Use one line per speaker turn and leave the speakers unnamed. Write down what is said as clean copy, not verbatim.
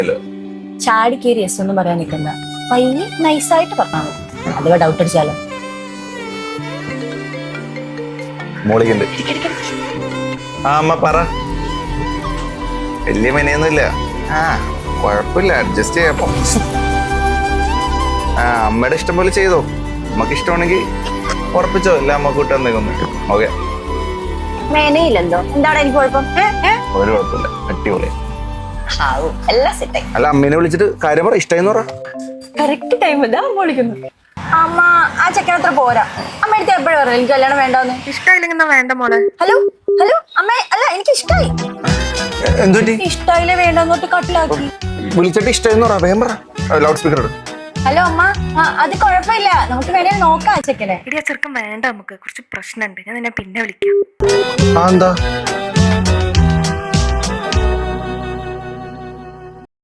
ചാടി കയറി എസ് ഒന്നും പറയാൻ നിൽക്കണ്ട. പയ്യെ നൈസായിട്ട് പറഞ്ഞാൽ മതി. അഥവാ ഡൗട്ട് അടിച്ചാലോ?
മോളിക്കുണ്ട്. ആ അമ്മ പറ. വലിയ മെനയൊന്നുമില്ല. ആ കുഴപ്പമില്ല, അഡ്ജസ്റ്റ് ചെയ്യാപ്പോ. ആ അമ്മയുടെ ഇഷ്ടം പോലെ ചെയ്തോ. അമ്മക്ക് ഇഷ്ടമാണെങ്കിൽ ഉറപ്പിച്ചോ. ഇല്ല അമ്മ കൂട്ടാൻ നിൽക്കുന്നു. ഓക്കെ,
മേനയില്ലെന്തോ? എന്താണ് എനിക്ക് കുഴപ്പം?
ഒരു കുഴപ്പമില്ല, അടിപൊളി.
എല്ലാം സെറ്റായി.
അല്ല അമ്മേനെ വിളിച്ചിട്ട് കാര്യം പറ. ഇഷ്ടമായിന്ന് പറ.
കറക്റ്റ് ടൈം ഇതാ വിളിക്കുന്നു. അമ്മ ആ ചെക്കൻ അത്ര പോരാ. അമ്മ എടുത്ത് എപ്പോഴും പറഞ്ഞു എനിക്ക് കല്യാണം വേണ്ടെന്ന്.
ഇഷ്ടമായില്ലെങ്കിൽ വേണ്ട മോളെ.
ഹലോ ഹലോ അമ്മ, അല്ല എനിക്ക് ഇഷ്ടായി.
എന്തുപറ്റി?
ഇഷ്ടായില്ലേ വേണ്ടെന്നോട്ട് കട്ടിലാക്കി.
വിളിച്ചിട്ട് ഇഷ്ടമായിന്ന് പറ. വേഗം പറ. ലൗഡ് സ്പീക്കർ ഇടും.
ഹലോ അമ്മ, അത് കുഴപ്പമില്ല, നമുക്ക് വേണേ നോക്കാം ചെക്കനെ.
ഇടിയ ചെറുക്കം വേണ്ട, നമുക്ക് കുറച്ച് പ്രശ്നമുണ്ട്. ഞാൻ നിന്നെ പിന്നെ വിളിക്കാം.
എന്താ?